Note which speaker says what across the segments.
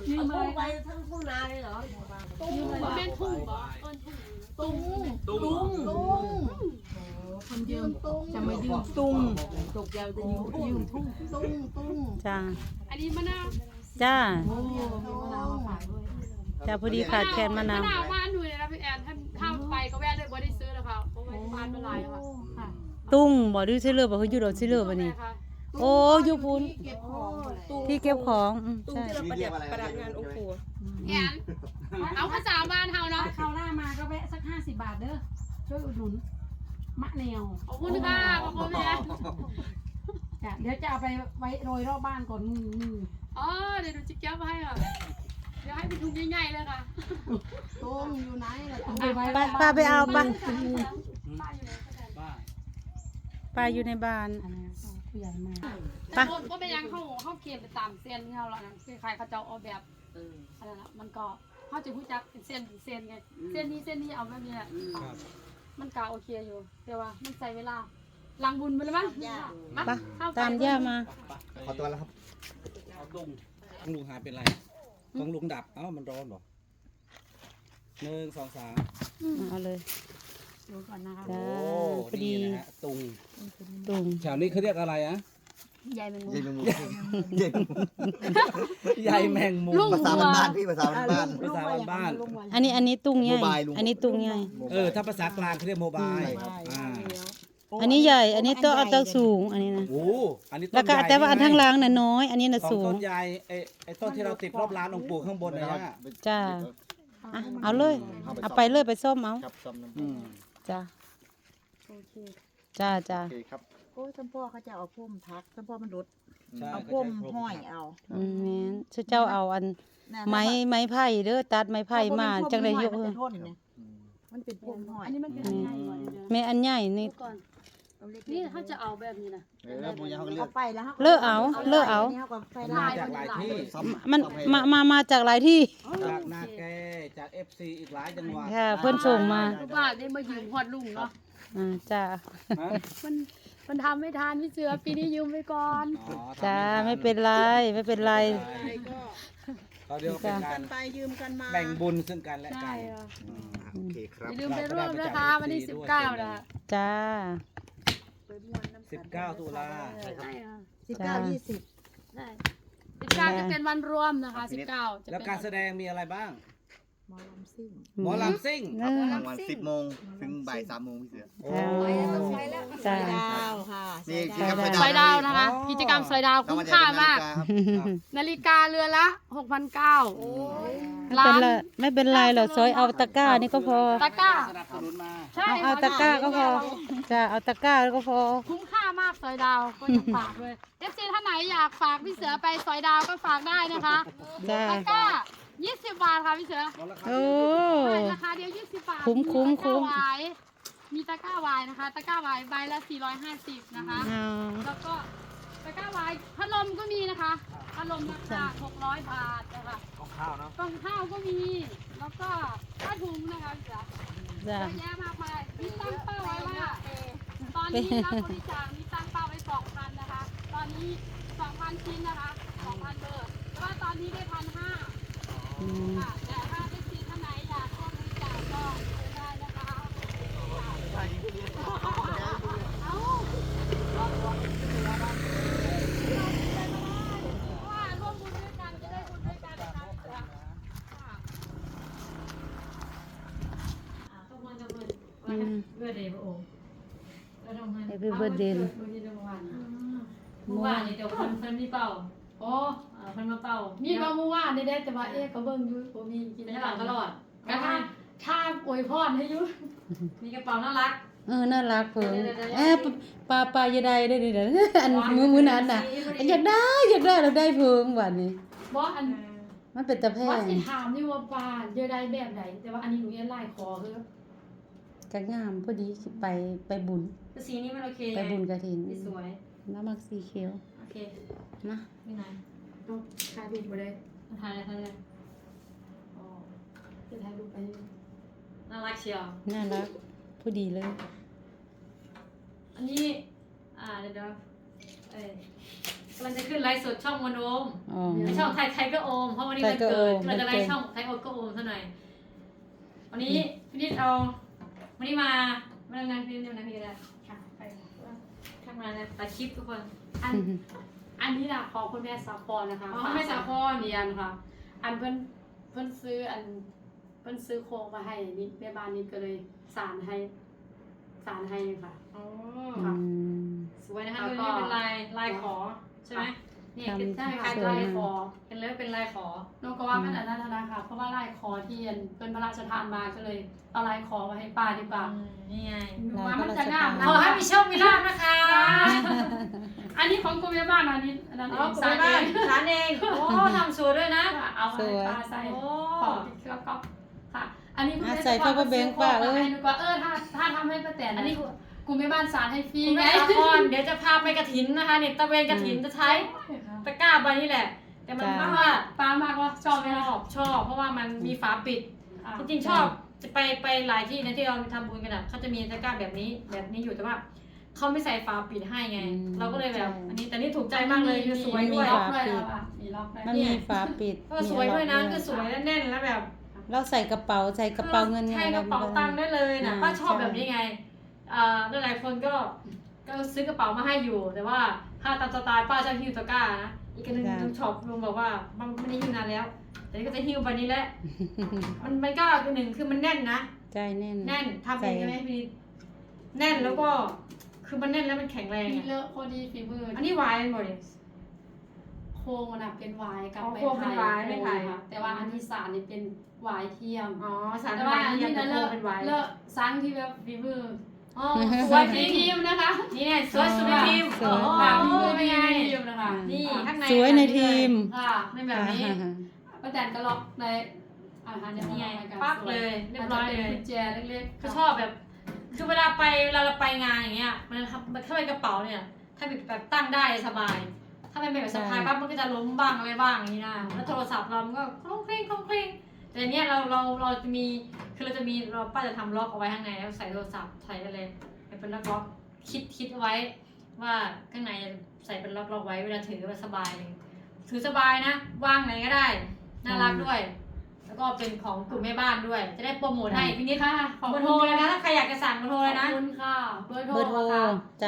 Speaker 1: ยืม
Speaker 2: เอา
Speaker 1: อะไร
Speaker 2: ไปทั้งทุ่งนาเลยเหรอ
Speaker 1: ยืมอะไร
Speaker 3: เป็นทุ่งบ่ต้นทุ่ง
Speaker 1: ตุ้ง
Speaker 4: ตุ้ง
Speaker 1: คนยืม
Speaker 4: ตุ้ง
Speaker 1: จะมายืมตุ้งตกยาวจะยืมทุ่ง
Speaker 4: ตุ้ง
Speaker 5: จ้า
Speaker 3: อันนี้มะนาว
Speaker 5: จ้า
Speaker 1: โอ้มีมะนาวมาขายด้วย
Speaker 5: จ้าพอดีขาดแคลนมะนาว
Speaker 3: มะนาวบ้านหนูเลยนะพี่แอนถ้าไปก็แวะเลยบ่ได้ซื้อแล้วค่ะเพราะว่าบ้านเป็นไรค่ะ
Speaker 1: ค่ะ
Speaker 5: ตุ้งบ่ดื้อซิเลอร์บ่คืออยู่ดอกซิเลอร์บ่นี่
Speaker 3: ค่ะ
Speaker 5: โอ้อยู่พุ้น
Speaker 1: เก็บของตุ้ง
Speaker 5: ที่เก็บของใช่
Speaker 4: ประดับงานองค์ปู่
Speaker 3: แอนเอาภาษาบ้านเฮาเนาะ
Speaker 1: คราวหน้ามาก็แวะสัก50 บาทเด้อช่วยอุดหนุนมะแนว
Speaker 3: ขอบคุณค่ะขอบคุณแม่
Speaker 1: จ้ะเดี๋ยวจะเอาไปไว้โรยรอบบ้านก่อนมือ
Speaker 3: อ๋อเดี๋ยวดูจิ๊กแก้วมาให้ค่ะเดี๋ยวให้เป็นถุงใหญ่ๆเลยค่ะ
Speaker 4: ตุ้งอยู่ไหนล่ะ
Speaker 1: เอาไปไว้
Speaker 5: ป้าไปเอาป้า
Speaker 3: ป้าอยู่ไหน
Speaker 5: ป้าอยู่ในบ้าน
Speaker 1: อันนี้ผู้ใหญ่มา
Speaker 5: ไป
Speaker 3: ก็เป็นยังเข้าเกมไปตามเส้นที่เราแล้วนะคือใครเขาจะเอาแบบอะไรนะมันก็เขาจะรู้จักเป็นเส้นไงเส้นนี้เอาแบบนี้แหละมันก็โอเคอยู่แต่ว่ามันใช้เวลาลังบุญไปเลยมั้ง
Speaker 5: ไปตามย่ามา
Speaker 6: ขอตัวแล้วครับ
Speaker 7: เอาลุงของลุงหายเป็นไรของลุงดับเอ้ามันร้อนเหรอ1 2 3
Speaker 5: เอาเลย
Speaker 1: ดูก่อนนะคะ
Speaker 5: จ้า
Speaker 7: โอ้
Speaker 5: พอดี
Speaker 7: นี่นะฮะตุง
Speaker 5: ตุ้ง
Speaker 7: แถวนี้เขาเรียกอะไรอะ
Speaker 3: ใหญ่เป็นมุ
Speaker 6: ใหญ่แมงมุมใหญ่แมงมุม
Speaker 7: ใยแมงมุม
Speaker 6: ภาษาบ้านๆพี่ภาษาบ้าน
Speaker 7: ภาษาบ้าน
Speaker 5: อันนี้ตุ้งใหญ่
Speaker 6: โมบายลุง
Speaker 5: อันนี้ตุ้งใหญ่
Speaker 7: ๆถ้าภาษากลางเขาเรียกโมบายอ่า
Speaker 5: อันนี้ใหญ่ อันนี้ต้องเอาเตาสูง อันนี้นะ
Speaker 7: โอ้อันนี้ต้น
Speaker 5: แล้วก็
Speaker 7: ใหญ่
Speaker 5: แต่ว่าอัน
Speaker 7: ใช่
Speaker 5: ทั้ง
Speaker 7: ไหม
Speaker 5: ล่างน่ะน้อย อันนี้น่ะ
Speaker 7: ของ
Speaker 5: สู
Speaker 7: ต้
Speaker 5: ง
Speaker 7: นใหญ่ไอ้ต้นที่เราติดรอบร้านองค์ปู่ข้างบนนะฮะ
Speaker 5: จ้าอ่ะเอาเลย เอาไปเลยไปส้มเอา
Speaker 6: ครับซ่อมน้ำ
Speaker 7: อืม
Speaker 5: จ้า
Speaker 4: โอเค
Speaker 5: จ้าจ้า
Speaker 6: โอเคครับ
Speaker 4: โอ้ยจำพ่อเขาจะเอาพุ่มทักจำพ่อมันรุด
Speaker 7: ใช่
Speaker 4: เอา
Speaker 7: ก็
Speaker 4: พุ่ม
Speaker 7: ใช้
Speaker 4: ห้อยเอา
Speaker 5: อืมแม่นชื่อเจ้าเอาอันไม้ไผ่เด้อตัดไม้ไผ่มาจังได้ยก
Speaker 4: มัน
Speaker 5: เอ
Speaker 4: จะ
Speaker 5: อ
Speaker 4: ทนเนี่ยมันเป็นพุ่มห้อย
Speaker 3: อันนี้มันเป็นยังไงวะเนี่ย
Speaker 5: แม่อันใหญ่นี่
Speaker 3: ก่อนนี่ถ้าจะเอาแบบนี้นะ
Speaker 6: บุญยาเขาก็เลือ
Speaker 4: เอา
Speaker 6: ก
Speaker 4: ไปแล้ว
Speaker 5: เลิกเอาเลิกเอา
Speaker 4: นี่เขาก็ไป
Speaker 7: มา
Speaker 4: ลาย
Speaker 7: จากหลายที่
Speaker 6: ซ่อม
Speaker 5: มัน
Speaker 6: ซ่อให้
Speaker 5: มาจากหลายที่
Speaker 7: จากนาแกจาก FC อีกหลายจังหวัด
Speaker 5: ค่ะ เพื่อนส่งมา
Speaker 3: ทุกบ้านได้มายืมฮอดลุงเนาะ
Speaker 5: จ้า
Speaker 7: ฮะ
Speaker 3: มันทำไม่ทานพี่เสือปีนี้ยืมไปก่อน
Speaker 7: อ๋อ
Speaker 5: จ้าไม่เป็นไรไม่เป็นไร
Speaker 7: เขาเรียกว่าเป็นการ
Speaker 4: ไปยืมกันมา
Speaker 7: แบ่งบุญซึ่งกันและกั
Speaker 3: ใช่
Speaker 7: น
Speaker 3: ค่ะ
Speaker 6: โอเคครับ
Speaker 3: อย่าลืมไปร่วมนะคะวันที่19นะ
Speaker 5: จ้า
Speaker 7: 19 ตุลา
Speaker 3: ใช่ค่ะ
Speaker 4: 19 20
Speaker 3: ได้19จะเป็นวันรวมนะคะ19จะ
Speaker 7: แล้ว
Speaker 3: เป็น
Speaker 7: การแสดงมีอะไรบ้าง
Speaker 4: หมอลำซิ่ง
Speaker 7: หมอลำซิ่ง
Speaker 5: เออ
Speaker 6: กลางวัน10 โมงถึงบ่าย3 โมงพี่เสือ
Speaker 7: โอ้
Speaker 5: จ้า
Speaker 4: ดาวค่ะ
Speaker 6: นี่
Speaker 4: สาย
Speaker 6: กิจกรรม
Speaker 4: ดาว
Speaker 3: ซอยดาวนะคะ กิจกรรมซอยดาวคุ้มค่ามาก นาฬิกาเรือนละ 6,900
Speaker 5: ไม่เป็นไรหรอกซอยเอาตะกร้านี่ก็พอ
Speaker 3: ตะกร้า
Speaker 7: สนับสนุนมา
Speaker 3: ใช่
Speaker 5: เอาตะกร้าก็พอจ้าเอาตะกร้าก็พอ
Speaker 3: คุ้มค่ามากซอยดาวก็อยากฝากเลย FC ท่านไหนอยากฝากพี่เสือไปซอยดาวก็ฝากได้นะคะ
Speaker 5: จ้า
Speaker 3: ตะกร้า20 บาทค่ะพี่เสือ
Speaker 5: โอ้
Speaker 3: ใช่ราคาเดียว20 บาท
Speaker 5: คุ้ม
Speaker 3: มีตะกร้าไวน์นะคะตะกร้าไวน์ใบละ450นะคะ
Speaker 5: เอา
Speaker 3: แล้วก็ตะกร้าไวน์พัดลมก็มีนะคะพัดลมราคา600 บาทนะคะ
Speaker 7: ของข้าวเนาะ
Speaker 3: กล่องข้าวก็มี แล้วก็ผ้าถุงนะคะพี่เสือ
Speaker 5: จ้า
Speaker 3: เยอะแยะมากมายมีตั้งเป้าไว้ว่าตอนนี้รับบริจาคมีตั้งเป้าไว้ 2,000 นะคะ ตอนนี้ 2,000 ชิ้นนะคะ 2,000 เบอร์แต่ว่าตอนนี้ได้ 1,500
Speaker 5: อืม
Speaker 3: ค่ะแต่ถ้าเป็นสีท่านไหนอยากร่วมบริจาคก็เชิญได้นะคะเอาร่วมบุญด้วยกันจะได้บุญด้วยกันนะคะต้องมาจะเปิด เพื่อเดย์พระองค์ก็ทำให้
Speaker 5: Happy birthday
Speaker 3: เมื่อวานนี่เดี๋ยวเพิ่นมีเป่าโอ้เพิ่นมาเป่ามีเป่าเมื่อวานได้แต่ว่าเอ๊ะก็เบิ่งอยู่บ่มีกินได้ตลอดก็ถ้าอวยพรให้อยู่มีกระเป๋าน่ารัก
Speaker 5: น่ารักเพิ่งปลาอย่าได้ได้ดิอันมือนั้นน่ะอยากได้เราได้เพิ่งวันนี้
Speaker 3: บ่อัน
Speaker 5: มันเป็นตะแพ
Speaker 3: ว่าง สิถามอยู่ว่าปลาเยอะได้แบบใดแต่ว่าอันนี้หนูยังไล่คอคือก
Speaker 5: ะงามพอดีสิไปบุญ
Speaker 3: สีนี้มันโอเค
Speaker 5: ไปบุญกฐิน
Speaker 3: สวย
Speaker 5: น้ำมักสีเขียว
Speaker 3: โอเค
Speaker 5: นะ
Speaker 3: ไม่นานต้องถ่ายรูปบ่ได้ถ่ายอะไรอ๋อจะถ่ายรูปไปน่ารักเชียว
Speaker 5: น่ารักพอดีเลย
Speaker 3: อันนี้เดี๋ยว
Speaker 2: กำลังจะขึ้นไลฟ์สดช่องมโนม
Speaker 5: อ๋อ
Speaker 2: ในช่องไทยไทยก็โอมเพราะวันนี้มัน
Speaker 5: ไทยก็
Speaker 2: เกิด
Speaker 5: โอม
Speaker 2: เราจะไล
Speaker 5: โอ
Speaker 2: ฟ์
Speaker 5: เค
Speaker 2: ช่องไทยโอมก็โอมซะหน่อยวันนี้พี่นิดเอาวันนี้มาไม่ต้องนั่งพี่นิดนั่งพี่ก็ได้ค่ะไปทำงานนะตัดคลิปทุกคน
Speaker 3: อันนี้นะของคุณแม่สาครนะคะ
Speaker 2: อ๋อแม่สาคร
Speaker 3: เรียนค่ะ อันเพิ่นซื้อเพิ่นซื้อโครงมาให้นี่แม่บ้านนี่ก็เลยสารให้ค่ะ
Speaker 2: โอ้
Speaker 5: อืม
Speaker 2: สวยนะคะ
Speaker 3: แล้ว
Speaker 2: ดู
Speaker 3: ก็
Speaker 2: นี่เป็นลายขอใช่ไหมนี่เป็น
Speaker 5: ทำ
Speaker 2: ใช่ค่ะ
Speaker 5: สวย
Speaker 2: ลาย
Speaker 5: มาก
Speaker 2: ขอเป็นเลยเป็นลายขอ
Speaker 3: โนก็ว่ามันอันนั้นนะคะเพราะว่าลายคอที่เป็นพระราชทานมาก็เลยเอาลายคอมาให้ป้าดีกว่า
Speaker 2: นี่ไง
Speaker 3: ดูว่ามันจะงามนะ
Speaker 2: ขอให้มีโชคมีลาภนะคะ
Speaker 3: อันนี้ของคุณแม่บ้านอันนี้อันนั้น
Speaker 2: อ๋อ
Speaker 3: เอง
Speaker 2: คุณ
Speaker 3: สาร
Speaker 2: แม่บ้าน
Speaker 3: เอง
Speaker 2: สารเองโอ้ทำสวยด้วยนะ
Speaker 3: เอามาให้ป้าใส่
Speaker 2: โอ้
Speaker 3: ของที่เครื่องก๊อปค่ะ อันนี้คุณ
Speaker 5: อ่ะ
Speaker 3: แม่
Speaker 5: ใส่เข้าไปแบงค์ป้าเอ้ย
Speaker 3: ให้ดูว่าถ้าทำให้ป้าแตน
Speaker 2: อันนี้
Speaker 3: คุณแม่บ้านสารให้ฟรี
Speaker 2: คุณ
Speaker 3: ไง
Speaker 2: แม่สาครเดี๋ยวจะพาไปกระถินนะคะเนี่ยตะเวนกระถินจะใช้ตะกร้าใบนี้แหละ แต่มัน
Speaker 5: จ้า
Speaker 2: ว่า
Speaker 3: ป้ามากว่าชอบไหมล่ะ
Speaker 2: ชอบเพราะว่ามันมีฝาปิด จริงๆชอบจะไปหลายที่นะที่เราทำบุญกันอ่ะเขาจะมีตะกร้าแบบนี้อยู่แต่ว่าเขาไม่ใส่ฝาปิดให้ไง เราก็เลยแบบอันนี้แต่นี่ถูกใจมากเลยคือสวยด้วย
Speaker 3: มีล็อกด้วยค่ะมีล็อกด้วย
Speaker 5: มันมีฝาปิด
Speaker 2: ก็สวยด้วยนะ
Speaker 5: มี
Speaker 2: คือ
Speaker 5: ล็ก
Speaker 2: สวยและแน่นแล้วแบบ
Speaker 5: เราใส่กระเป๋าใส่กระเป๋าเงิน
Speaker 2: ใช่กระเป๋าตังค์ได้เลยนะ
Speaker 5: อ่า
Speaker 2: ป้าชอบ
Speaker 5: ใช่
Speaker 2: แบบนี้ไงหลายๆคนก็ซื้อกระเป๋ามาให้อยู่ แต่ว่าถ้าตามสไตล์ป้าชอบฮิ้วตะกร้านะอีกอันหนึงลุงช็อปลุงบอกว่ามันไม่ได้ฮิ้วนานแล้ว แต่นี่ก็จะฮิ้วไปนี้แหละ มันก็คือหนึ่งคือมันแน่นนะ
Speaker 5: ใจแน่น
Speaker 2: แน่นทำเองใช่ไหมพี่นิดแน่นแล้วก็คือมันแน่นแล้วมันแข็งแรง
Speaker 3: มี
Speaker 2: อะ
Speaker 3: เลอะพอดีฝีมือ
Speaker 2: อันนี้วายหมดเลย
Speaker 3: โครงมันอะเป็นวายกับ
Speaker 2: อ๋อ
Speaker 3: ไม้
Speaker 2: โครงเป็น
Speaker 3: ไผ่
Speaker 2: วายไม่ไผ่
Speaker 3: ค่ะแต่ว่าอันที่สารนี่เป็นวายเทียม
Speaker 2: อ๋อสาร
Speaker 3: แต่
Speaker 2: วา
Speaker 3: ว่าย อัน
Speaker 2: ที่
Speaker 3: นี้
Speaker 2: ยัง
Speaker 3: นะ
Speaker 2: จะ
Speaker 3: เล
Speaker 2: โค
Speaker 3: อะ
Speaker 2: เป็นวาย
Speaker 3: เลอะซังที่แบบฝีมือ
Speaker 2: อ๋อส
Speaker 3: ส
Speaker 2: ว
Speaker 3: วย ย
Speaker 2: จริง
Speaker 3: ทีมนะคะ
Speaker 2: นี่ไงสวยสุดในทีม
Speaker 5: สวย
Speaker 2: โอ้
Speaker 3: ค่ะ
Speaker 2: โห
Speaker 3: ฝีมือ
Speaker 2: เป็นไง
Speaker 3: ทีมนะคะ
Speaker 2: นี่ข้างใน
Speaker 5: สวยในทีม
Speaker 3: ค่ะ
Speaker 2: ในแบบนี้
Speaker 3: ป้าแตนก็ล็อกในอาหารเดี๋ยว
Speaker 2: นี่ไง
Speaker 3: มากัน
Speaker 2: ปั๊บเลยเรียบร้อยเลย
Speaker 3: าจจะเป็นกุญแจเล็กๆ
Speaker 2: ก็ชอบแบบคือเวลาเราไปงานอย่างเงี้ยมันถ้าเป็นกระเป๋าเนี่ย ถ้าแบบตั้งได้สบาย ถ้าเป็นแบบสะพายปั๊บมันก็จะล้มบ้างอะไรบ้างอย่างนี้นะแล้วโทรศัพท์เรามันก็คลุ้งคลิ้งคลุ้งคลิ้งแต่อันเนี้ยเราจะมีคือเราป้าจะทำล็อกเอาไว้ข้างในแล้วใส่โทรศัพท์ใส่อะไรเป็นล็อกคิดเอาไว้ ว่าข้างในใส่เป็นล็อกไว้เวลาถือมันสบายเลยถือสบายนะวางไหนก็ได้น่ารักด้วย แล้วก็เป็นของกลุ่มแม่บ้านด้วย จะได้โปรโมทให้พี่นิด
Speaker 3: ค่ะขอบ
Speaker 2: เบอ
Speaker 3: คุ
Speaker 2: ร์
Speaker 3: ณ
Speaker 2: โทรเลยนะถ้าใครอยากจะสั่งเบอร์โทรเลยนะ
Speaker 3: ขอบคุณค่ะเบอร์โทร
Speaker 5: เบอร์โทร
Speaker 3: ค่ะ
Speaker 5: จ้ะ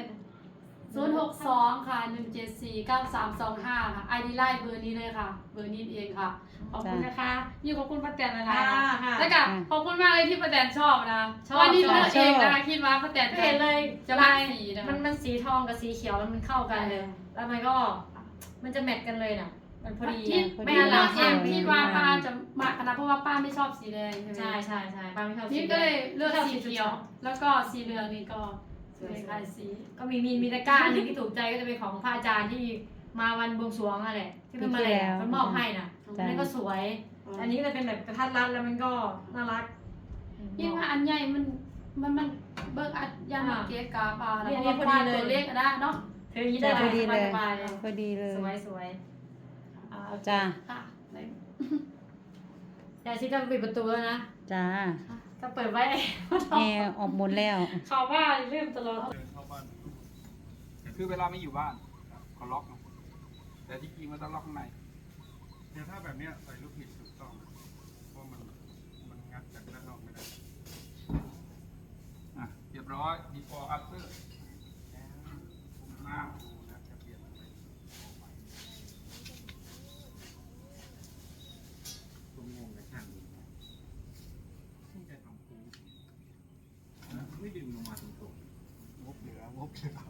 Speaker 3: 062ค่ะ1749325ค่ะไอดีไลน์เบอร์นี้เลยค่ะ เบอร์นี้เองค่ะ ขอบคุณนะคะอยู่ขอบคุณป้าแตนนะคะ
Speaker 2: ค่ะ
Speaker 3: แล้วก็ขอบคุณมากเลยที่ป้าแตนชอบนะ
Speaker 2: ชอบ
Speaker 3: วันนี้เลือก
Speaker 5: ชอบ
Speaker 3: เองนะคะคิดว่าป้าแตน
Speaker 2: ก็เห็นเลย
Speaker 3: จะรักสีนะ
Speaker 2: มันสีทองกับสีเขียวมันเข้ากันเลย แล้วมันก็มันจะแมทกันเลยน่ะ มันพอดี
Speaker 3: คิด
Speaker 2: ไม่
Speaker 3: ไม่
Speaker 2: น่า
Speaker 3: น่า
Speaker 2: รั
Speaker 3: รั
Speaker 2: ก
Speaker 3: ก
Speaker 2: เอง
Speaker 3: คิดว่าป้าจะมาขนาดเพราะว่าป้าไม่ชอบสีแดงใช่ไหม
Speaker 2: ใช่ป้าไม่ชอบสี
Speaker 3: นี่
Speaker 2: แดง
Speaker 3: ก็เลยเลือก
Speaker 2: ชอบ
Speaker 3: สีเขียว แล้วก็สีเหลืองนี่ก็สวยคล้ายสี
Speaker 2: ก็มีตะกร้าอันหนึงที่ถูกใจก็จะเป็นของพระอาจารย์ที่มาวันบวงสรวงอะไรที่เป็นมาแหละเขามอบให้น่ะ
Speaker 5: จ้ะ
Speaker 2: นั่นก็สวย อันนี้ก็จะเป็นแบบกระทัดรัดแล้วมันก็น่ารัก
Speaker 3: ยิ่งว่าอันใหญ่มันเบิกอันยันเกะกาปลาแล้ว
Speaker 2: เนี่ย
Speaker 3: ก็
Speaker 2: พอดี
Speaker 3: ป้า
Speaker 2: เลย
Speaker 3: ตัวเล็กก็ได้เนาะ
Speaker 2: เธออย่างนี้ได้
Speaker 5: พอดีเลย
Speaker 2: สบายๆเลย
Speaker 5: พอดีเลย
Speaker 2: สวย
Speaker 5: จ้า
Speaker 3: ค่ะ
Speaker 2: ยายชิดจะปิดประตูแล้วนะ
Speaker 5: จ้า
Speaker 2: ก็เปิดไว้
Speaker 5: แอร์ออกหมดแล้ว
Speaker 2: เขาว่าลืมตลอด
Speaker 8: เดินเข้าบ้านคือเวลาไม่อยู่บ้านเขาล็อกนะแต่ที่จริงมันต้องล็อกข้างในเนี่ยถ้าแบบเนี้ยใส่ลูกผิดถูกต้องนะเพราะมันงัดจากด้านนอกไม่ได้อ่ะเรียบร้อย before after หน้าดูนะจะเปลี่ยนอะไรผมงงในช่างดูนะที่จะทำคูไม่ดึงลงมาตรงๆงบเหลือ